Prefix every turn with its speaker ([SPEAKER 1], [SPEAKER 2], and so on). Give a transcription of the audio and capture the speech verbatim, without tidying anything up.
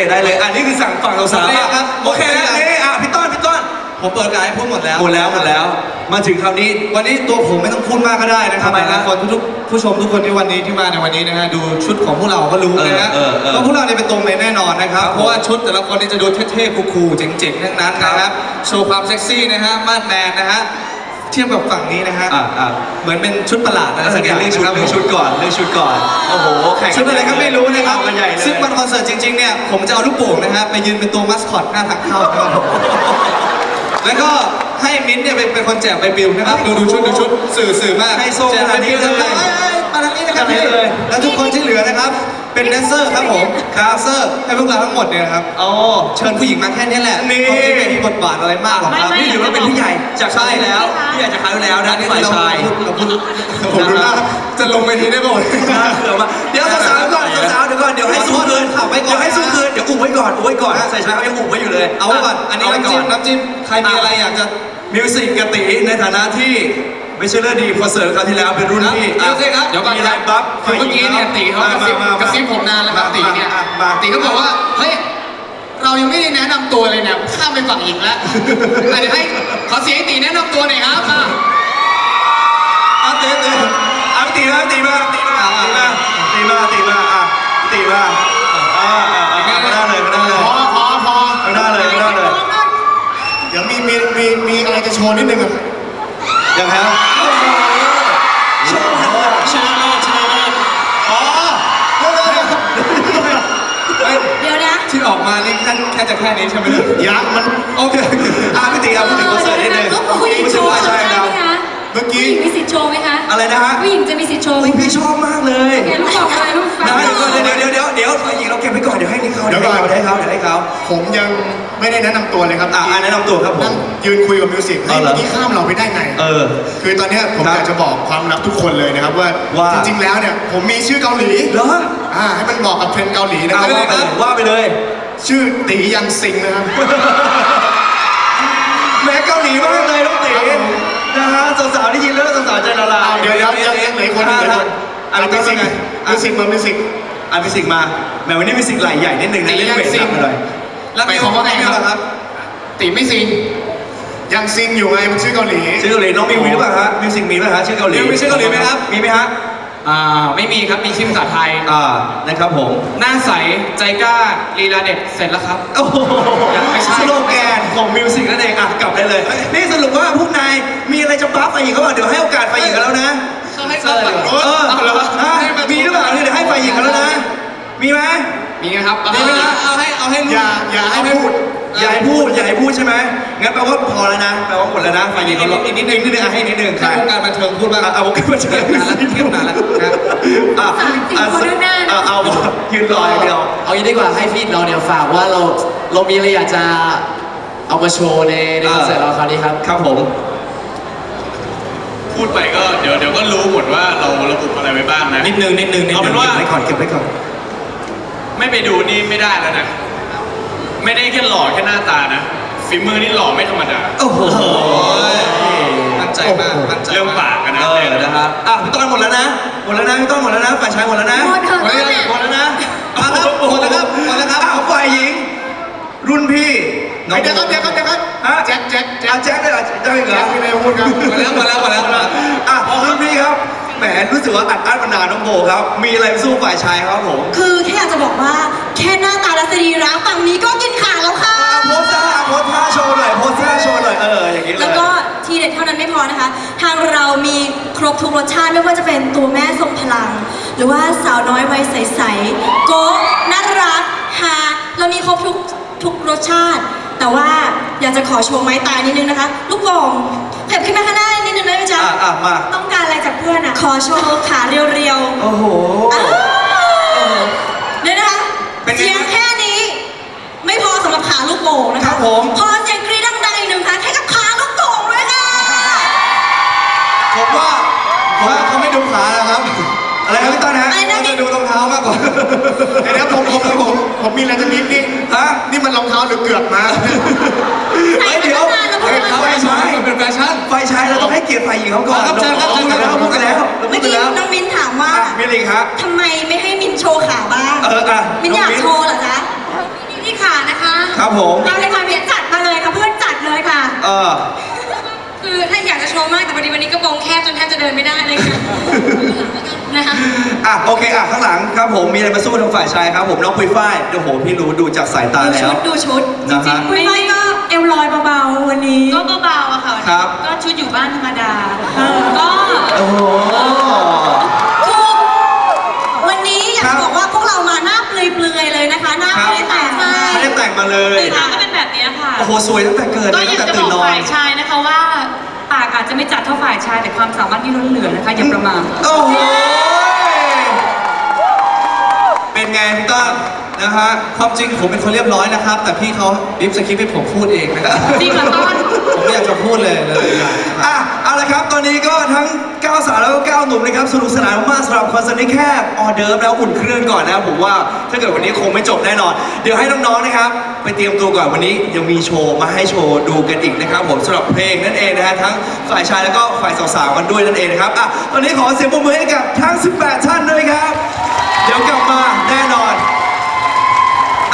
[SPEAKER 1] ได้เลยอันนี้คือสั่งฝั่งเราสามครับโอเคแล้วนี่อ่ะพี่ต้นพี่ต้น
[SPEAKER 2] ผมเปิดการให้พูดหมดแล้ว
[SPEAKER 1] หมดแล้วหมดแล้วมาถึงคราวนี้
[SPEAKER 2] วันนี้ตัวผมไม่ต้องพูดมากก็ได้นะครับคนทุกผู้ชมทุกคนที่วันนี้ที่มาในวันนี้นะฮะดูชุดของพวกเราก็รู้นะฮะว่าพวกเราเนี่ยเป็นตรงเลยแน่นอนนะครับเพราะว่าชุดแต่ละคนนี่จะดูเท่ๆคูลๆเจ๋งๆทั้งนั้นนะครับโชว์ความเซ็กซี่นะฮะมาดแมนนะฮะเทียบกับฝั่งนี้นะฮะเหมือนเป็นชุดประหลาดอะไรสักอย่างเรื่องชุดเรื่องชุดก่อนเรื่องชุดก่อนโอ้โหชุดอะไรก็ไม่รู้นะครับซึ่งวันคอนเสิร์ตจริงๆเนี่ยผมจะเอาลูกโป่งนะฮะไปยืนเป็นตัวมัสคอตหน้าทางเข้านะครับแล้วก็ให้มิ้นท์เนี่ยเป็นคนแจกใบปลิวนะครับดูดูชุดดูชุดสื่อสื่อมากให้โซ่แจกใบปลิวเลยมาทางนี้นะครับพี่แล้วทุกคนที่เหลือนะครับเป็นแดนเซอร์ครับผมคาเซอร์ให้พวกเราทั้งหมดเนี่ยครับอ๋อเชิญผู้หญิงมาแค่นี้แหละนี่ไม่มีบทบาทอะไรมากหรอกครับนี่ถือว่าเป็นผู้ใหญ่จากใช่แล้วผู้ใหญ่จากคราวแล้วนะฝ่ายชายผมดูหน้าจะลงไปทีได้ป่ะเดี๋ยวสาวๆก่อนสาวๆเดี๋ยวก่อนเดี๋ยวให้สู้คืนเดี๋ยวให้สู้คืนเดี๋ยวอุ้มไว้ก่อนอุ้มไว้ก่อนใส่ชายเขายังอุ้มไว้อยู่เลยเอาไว้ก่อนอันนี้น้ำจิ้มน้ำจิ้มใครมีอะไรอยากจะมิวสิกกติในฐานะที่ไม่ใช่เรื่องดีคอนเสิร์ตคราวที่แล้วเป็นรุ่นพี่โอเคครับเดี๋ยวก่อนมีอะไรบัฟ
[SPEAKER 3] คือเมื่อกี้เนี่ยตีเขากระซิบกระซิบผมนานแล้วครับตีเนี่ยตีก็บอกว่าเฮ้ยเรายังไม่ได้แนะนำตัวเลยเนี่ยข้ามไปฝั่งหญิงแล้วเดี๋ยวให้ขอเสียงตีแนะนำตัวหน่อยครับมา
[SPEAKER 1] เอาตีตีเอาตีมาตีมาตีมาตีมาตีมาตีมาอ่ะตีมาอ่าอ่าอ่าไม่ได้เลยไม่ได้เลย
[SPEAKER 3] พอพอพอ
[SPEAKER 1] ไม่ได้เลยไม่ได้เลย
[SPEAKER 2] เดี๋ยวมีมีมีมีอะไรจะโชว์นิดนึงอ่ะ
[SPEAKER 1] ยังไงครับ
[SPEAKER 3] ชนะเลิศชนะเลิศชนะเลิศ
[SPEAKER 1] อ๋อเดี๋ยว
[SPEAKER 4] เดี๋ยวนะ
[SPEAKER 2] ที่ออกมานี่แค่แค่จะแค่นี้ใช่ไหม
[SPEAKER 1] ยังมันโอเคอ่ะพี่ตีครับพูดถึงคอนเสิร์ตนิดนึง
[SPEAKER 4] ผู้หญิงโชว์ใช่ไหมคะ
[SPEAKER 1] เมื่อกี้
[SPEAKER 4] มีสิทธิ์โชว์ไหมคะ
[SPEAKER 1] อะไรนะฮะ
[SPEAKER 4] ผู้หญิงจะมีสิทธิ์โชว์ไหม
[SPEAKER 1] พี่ชอบมากเลย
[SPEAKER 4] เดี๋ยวลูกบอกอะไรลูกฟัง
[SPEAKER 1] เดี๋ยวเดี๋ยวเดี๋ยวเดี๋ยวฝ่ายหญิงเราเก็บไว้ก่อนเดี๋ยวให้เขาเดี๋ยวให้เขาเดี๋ยวให้เขาเดี๋ยวให้เขา
[SPEAKER 2] ผมยังไม่ได้แนะนำตัวเลยครับ
[SPEAKER 1] อ่าแนะนำตัวครับผม
[SPEAKER 2] ยืนคุยกับมิวสิกเมื่อกี้ข้ามเราไปได้ไง
[SPEAKER 1] เออ
[SPEAKER 2] คือตอนนี้ผมอยากจะบอกความลับทุกคนเลยนะครับว่าจริงๆแล้วเนี่ยผมมีชื่อเกาหลี
[SPEAKER 1] เหรอ
[SPEAKER 2] อ่าให้มันบอกกับเทรนด์เกาหลีนะครับ
[SPEAKER 1] ว่าไปเลย
[SPEAKER 2] ชื่อตียังซิงนะครับ
[SPEAKER 1] แม้เกาหลีมากเลยน้องตีนะฮะสาวๆได้ยินแล้วสาวๆใจละลาย
[SPEAKER 2] เดี๋ยวเดี๋ยวยังยังเหลือคนนึงเลย
[SPEAKER 1] อะไรมิวสิก
[SPEAKER 2] มิวสิกมามิวสิก
[SPEAKER 1] อ่ะมิวสิกมาแม้วันนี้มิวสิกไหลใหญ่นิดนึงนะเล่นเบสซับมาเลย
[SPEAKER 2] แล้วมีของว่าไงครับ
[SPEAKER 3] ตีไม่ซิง
[SPEAKER 2] ยังซิงอยู่ไงมันชื่อเกาหลี
[SPEAKER 1] ชื่อเกาหลีน้องมีมีหรือเปล่าฮะมิวสิกมีไหมฮะชื่อเกาหลี
[SPEAKER 2] มีชื่อเกาหลีไหมครับ
[SPEAKER 1] มีไหมฮะ
[SPEAKER 3] อ่าไม่มีครับมีชื่อภาษาไทย
[SPEAKER 1] อ่านะครับผม
[SPEAKER 3] หน้าใสใจกล้าลีลาเด็ดเสร็จแล้วครับ
[SPEAKER 1] โอ้โหไม่ใช่สโลแกนของมิวสิกนั่นเองอ่ะกลับได้เลยนี่สรุปว่าพวกนายมีอะไรจะบัฟไปอีกเขาบอกเดี๋ยวให้โอกาสไปอีกกันแล้วนะ
[SPEAKER 3] เขาให้บัฟไป
[SPEAKER 1] เออมีหรือเปล่าเดี๋ยวให้ไปอีกกันแล้วนะมีไหม
[SPEAKER 3] มีครับ
[SPEAKER 2] มีไหมนะเอาให้เอาให้อย่าอย่าให้พูด
[SPEAKER 1] อย่าให้พูดอย่าให้พูดใช่ไหมงั้นแปลว่าพอแล้วนะแปลว่าหมดแล้วนะฝ่ายหญิงเขาอีกนิดนึงนิดนึงให้นิดนึง
[SPEAKER 2] แค่วงการบันเทิงพูดบ้าง
[SPEAKER 1] เอาวงการบันเทิงนานแล้ว
[SPEAKER 2] เทียบนานแล้ว
[SPEAKER 4] นะอ่ะ
[SPEAKER 1] เอาเอายืนรออย่างเดียว
[SPEAKER 3] เอาอย่างนี้ดีกว่าให้พี่เราเนี่ยฝากว่าเราเรามีอะไรอยากจะเอามาโชว์ในในคอนเสิร์ตเราคราวนี้ครับ
[SPEAKER 1] ครับผม
[SPEAKER 5] พูดไปก็เดี๋ยวเดี๋ยวก็รู้หมดว่าเราระบุอะไรไว้บ้างนะ
[SPEAKER 1] นิดนึงนิดนึง
[SPEAKER 5] เอาเป็นว่า
[SPEAKER 1] เก็บไว้ก่อนเก็บไว้ก่อน
[SPEAKER 5] ไม่ไปดูนี่ไม่ได้แล้วนะไม่ได้แค่หล่อแค่หน้าตานะฝีมือนี่หล่อไม่ธรรมดา
[SPEAKER 1] โอ้โห
[SPEAKER 2] มั่นใจมากมั่นใจ
[SPEAKER 5] เรื่องปากกันนะ
[SPEAKER 1] เออนะครับอ่ะพี่ต้นหมดแล้วนะหมดแล้วนะพี่ต้นหมดแล้วนะฝ่ายชายหมดแล้วนะ
[SPEAKER 4] หมดแล้ว
[SPEAKER 1] หมดแล้วนะมาครับหมดแล้วครับหมดแล้วครับอ้าวฝ่ายหญิงรุ่นพี่
[SPEAKER 2] เดี๋ยวครับเดี๋ยวครับเดี๋ยวครับแจ็คแจ็ค
[SPEAKER 1] แจ็คแจ็คเลยเหรอแจ็คเหรอ
[SPEAKER 2] ไม่ได้พูดครับมาแล้วมาแล้วมาแล้ว
[SPEAKER 1] อ่ะรุ่นพี่ครับแหมรู้สึกว่าอัดอั้นมานานน้องโบครับมีอะไรสู้ฝ่ายชายครับผม
[SPEAKER 4] คือแค่อยากจะบอกว่าแค่หน้าตาและสรีระฝั่งนี้ก็กินขาแล้วค่ะ
[SPEAKER 1] โพสท่าโพสท่าโชว์หน่อยโพสท่าโชว์หน่อยเอออย่างนี้เลย
[SPEAKER 4] แล้วก็ทีเด็ดเท่านั้นไม่พอนะคะทางเรามีครบทุกรสชาติไม่ว่าจะเป็นตัวแม่ทรงพลังหรือว่าสาวน้อยวัยใสๆโก๊ะน่ารักฮาเรามีครบทุกทุกรสชาติแต่ว่าอยากจะขอโชว์ไม้ตายนิดนึงนะคะลูกโป่งเข็บขึ้นมาข้างหน้านิดนึงได้ไหมจ๊ะ
[SPEAKER 1] อ่ะมา
[SPEAKER 4] ต้องการอะไรจากเพื่อนอ่ะขอโชว์ขาเรียว
[SPEAKER 1] ๆโอ้โห
[SPEAKER 4] เดี๋ยวนะคะเสียงแค่นี้ไม่พอสำหรับขาลูกโป่งนะคะ
[SPEAKER 1] ครับผม
[SPEAKER 4] พอเสียงกรี๊ดดังๆอีกหนึ่งครั้งให้กับขาลูกโป่งด้วยค่ะ
[SPEAKER 1] ผมว่าผมว่าเขาไม่ดูขานะครับอะไรครับพี่ต้นฮะ
[SPEAKER 2] เขาจะดูรองเท้ามากกว่าเดี๋ยวผมผมผมผมมีอะไรจะนิดนี่
[SPEAKER 1] ฮะ
[SPEAKER 2] นี่มันรองเท้าหรือเกือกมา
[SPEAKER 1] เฮ้ยเดี๋ยว
[SPEAKER 2] ไฟชายเป็นแฟชั่น
[SPEAKER 1] ไฟชายเราต้องให้เกียรติฝ่ายหญิงเขาก่อน
[SPEAKER 2] ครับเชิญครับเชิญครับ
[SPEAKER 1] พูดกันแล้ว
[SPEAKER 4] เมื่อกี้น้องมิ้นถามว่า
[SPEAKER 1] มินลิงครับ
[SPEAKER 4] ทำไมไม่ให้มินโชว์ขาบ้าง
[SPEAKER 1] เอออ่ะ
[SPEAKER 4] มินอยากโชว์เหรอจ๊ะ
[SPEAKER 1] ครับผม
[SPEAKER 4] เราเลยค่ะเพียนจัดมาเลยค่ะเพื่อนจัดเลยค่ะ
[SPEAKER 1] เออ
[SPEAKER 4] คือถ้าอยากจะโชว์มากแต่พอดีวันนี้กระโปรงแคบจนแทบจะเดินไม่ได้เลยค่ะนะคะ
[SPEAKER 1] อ่ะโอเคอ่ะข้างหลังครับผมมีอะไรมาสู้ทางฝ่ายชายครับผมน้องปุยฝ้ายโอ้โหพี่รู้ดูจากสายตา
[SPEAKER 4] ดู
[SPEAKER 1] แล้
[SPEAKER 4] ชุ
[SPEAKER 1] ว
[SPEAKER 4] ดดูชุดจ
[SPEAKER 1] นะฮะ
[SPEAKER 4] ริงๆไม่ไม่ก็เอวลอยเบาๆวันนี้
[SPEAKER 6] ก็เบาๆอะค่ะ
[SPEAKER 1] ครับ
[SPEAKER 6] ก็ชุดอยู่บ้านธรรมดา ก็
[SPEAKER 1] โอ้โห
[SPEAKER 4] คือวันนี้อยา
[SPEAKER 1] ครั
[SPEAKER 4] ก
[SPEAKER 1] บ
[SPEAKER 4] บอกว่าพวกเรามาหน้าเปลือยๆเลยนะคะ หน้า
[SPEAKER 1] ครับ
[SPEAKER 4] ไม่ได้แต่งมา
[SPEAKER 1] ไม่ได้แต่งมาเลย
[SPEAKER 6] ตื่นมาก็เป็นแบบนี้ค่ะ
[SPEAKER 1] โอ้โหสวยตั้งแต่เกิด
[SPEAKER 6] ก็
[SPEAKER 1] เลย
[SPEAKER 6] อ
[SPEAKER 1] ตั้
[SPEAKER 6] ยาง ก
[SPEAKER 1] แต่
[SPEAKER 6] จะบ
[SPEAKER 1] ตื่
[SPEAKER 6] อน ก
[SPEAKER 1] นอน
[SPEAKER 6] ฝ่ายชายนะคะว่า ปากอาจจะไม่จัดเท่าฝ่ายชาย แต่ความสามารถที่ล้นเหลือนะคะ อย่าประมาท
[SPEAKER 1] โอ้โหเป็นไงพี่ต้นนะฮะ
[SPEAKER 2] ความจริงผมเป็นคนเรียบร้อยนะครับ แต่พี่เขาดิฟสคริปต์ให้ผมพูดเองนะครับ
[SPEAKER 6] จริงเหรอต้น
[SPEAKER 2] ผมไม่อยากจะพูดเลยเลยอย่างนะครับ
[SPEAKER 1] อ่ะเอาละครับ ตอนนี้ก็ทั้งเก้าสาวแล้วก็เก้าหนุ่มนะครับสนุกสนานมากๆสำหรับคอนเสิร์ตนี้แค่ออเดิร์ฟแล้วอุ่นเครื่องก่อนนะครับผมว่าถ้าเกิดวันนี้คงไม่จบแน่นอน เดี๋ยวให้น้องๆนะครับไปเตรียมตัวก่อนวันนี้ยังมีโชว์มาให้โชว์ดูกันอีกนะครับผมสำหรับเพลงนั่นเองนะฮะทั้งฝ่ายชายแล้วก็ฝ่ายสาวๆกันด้วยนั่นเองนะครับอ่ะตอนนี้ขอเสียงปรบมือให้กับทั้งสิบแปดท่านด้วยครับ